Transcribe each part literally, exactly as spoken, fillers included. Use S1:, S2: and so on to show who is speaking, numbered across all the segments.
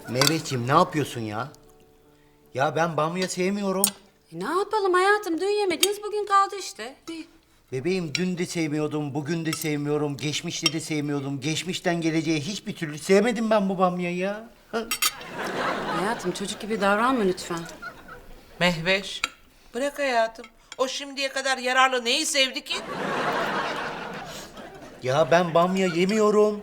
S1: Mehmetciğim ne yapıyorsun ya? Ya ben bamya sevmiyorum.
S2: E, ne yapalım hayatım? Dün yemediniz, bugün kaldı işte. İyi.
S1: Bebeğim dün de sevmiyordum, bugün de sevmiyorum, geçmişte de sevmiyordum. Geçmişten geleceğe hiçbir türlü sevmedim ben bu bamyayı ya. Ha?
S2: Hayatım çocuk gibi davranma lütfen.
S3: Mehveş, bırak hayatım. O şimdiye kadar yararlı neyi sevdi ki?
S1: Ya ben bamya yemiyorum.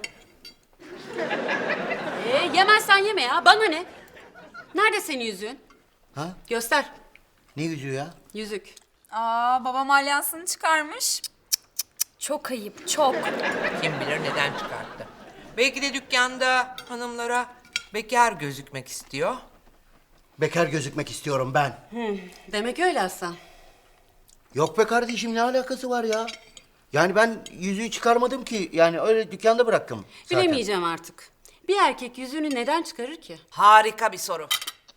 S2: Ee, yemezsen yeme ya. Bana ne? Nerede senin yüzüğün?
S1: Ha?
S2: Göster.
S1: Ne yüzüğü ya?
S2: Yüzük.
S4: Aa, babam alyansını çıkarmış. Çok ayıp, çok.
S3: Kim bilir neden çıkarttı. Belki de dükkanda hanımlara bekar gözükmek istiyor.
S1: Bekar gözükmek istiyorum ben.
S2: Demek öyle Aslan.
S1: Yok be kardeşim ne alakası var ya? Yani ben yüzüğü çıkarmadım ki. Yani öyle dükkanda bıraktım zaten.
S2: Bilemeyeceğim artık. Bir erkek yüzüğünü neden çıkarır ki?
S3: Harika bir soru.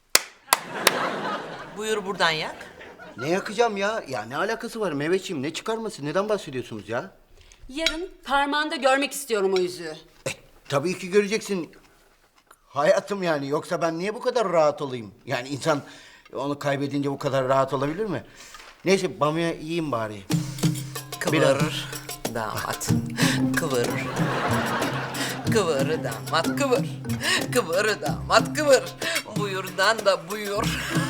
S3: Buyur buradan yak.
S1: Ne yakacağım ya? Ya ne alakası var Mehmetciğim? Ne çıkarması? Neden bahsediyorsunuz ya?
S2: Yarın parmağında görmek istiyorum o yüzüğü.
S1: E, tabii ki göreceksin. Hayatım yani. Yoksa ben niye bu kadar rahat olayım? Yani insan onu kaybedince bu kadar rahat olabilir mi? Neyse bamya yiyeyim bari.
S3: Kıvır damat. Kıvır. Kıvır damat kıvır. Kıvır damat kıvır. Buyurdan da buyur.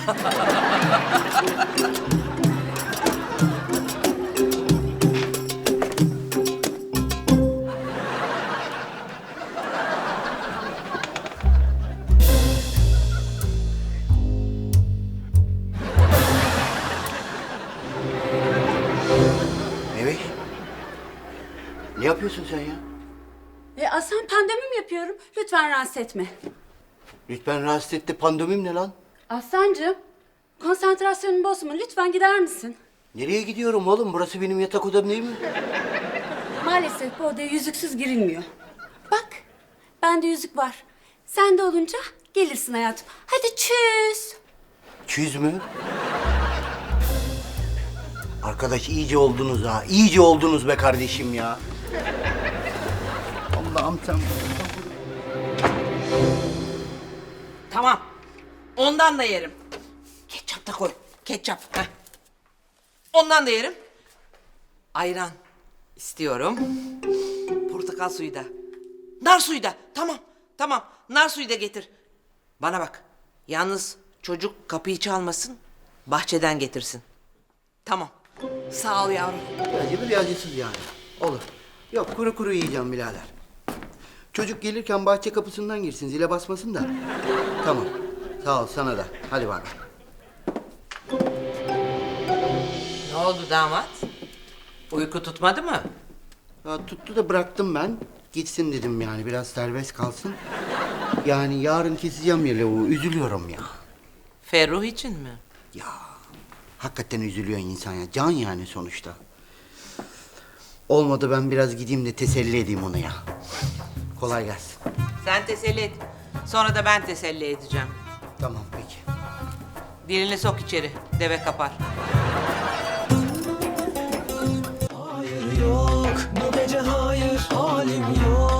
S1: Evet. Ne yapıyorsun sen ya?
S2: E Aslan pandomim yapıyorum. Lütfen rahatsız etme.
S1: Lütfen rahatsız etti. Pandomim ne lan?
S2: Aslancığım, konsantrasyonumu bozma. Lütfen gider misin?
S1: Nereye gidiyorum oğlum? Burası benim yatak odam değil mi?
S2: Maalesef bu odaya yüzüksüz girilmiyor. Bak, bende yüzük var. Sende olunca gelirsin hayatım. Hadi çüz.
S1: Çüz mü? Arkadaş iyice oldunuz ha. İyice oldunuz be kardeşim ya. Allah'ım sen...
S3: Tamam. Ondan da yerim. Ketçap da koy. Ketçap. Heh. Ondan da yerim. Ayran istiyorum. Portakal suyu da. Nar suyu da. Tamam. Tamam. Nar suyu da getir. Bana bak. Yalnız çocuk kapıyı çalmasın. Bahçeden getirsin. Tamam. Sağ ol yavrum.
S1: Acı bir acısız yani. Olur. Yok kuru kuru yiyeceğim birader. Çocuk gelirken bahçe kapısından girsin. Zile basmasın da. Tamam. Sağ ol sana da. Hadi bak.
S3: Ne oldu damat? Uyku tutmadı mı?
S1: Ya tuttu da bıraktım ben. Gitsin dedim yani biraz serbest kalsın. Yani yarın keseceğim ya lavuğu. Üzülüyorum ya.
S3: Ferruh için mi?
S1: Ya hakikaten üzülüyor insan ya. Can yani sonuçta. Olmadı ben biraz gideyim de teselli edeyim onu ya. Kolay gelsin.
S3: Sen teselli et. Sonra da ben teselli edeceğim.
S1: Tamam peki.
S3: Dilini sok içeri. Deve kapar.
S5: Hayır yok bu gece hayır halim yok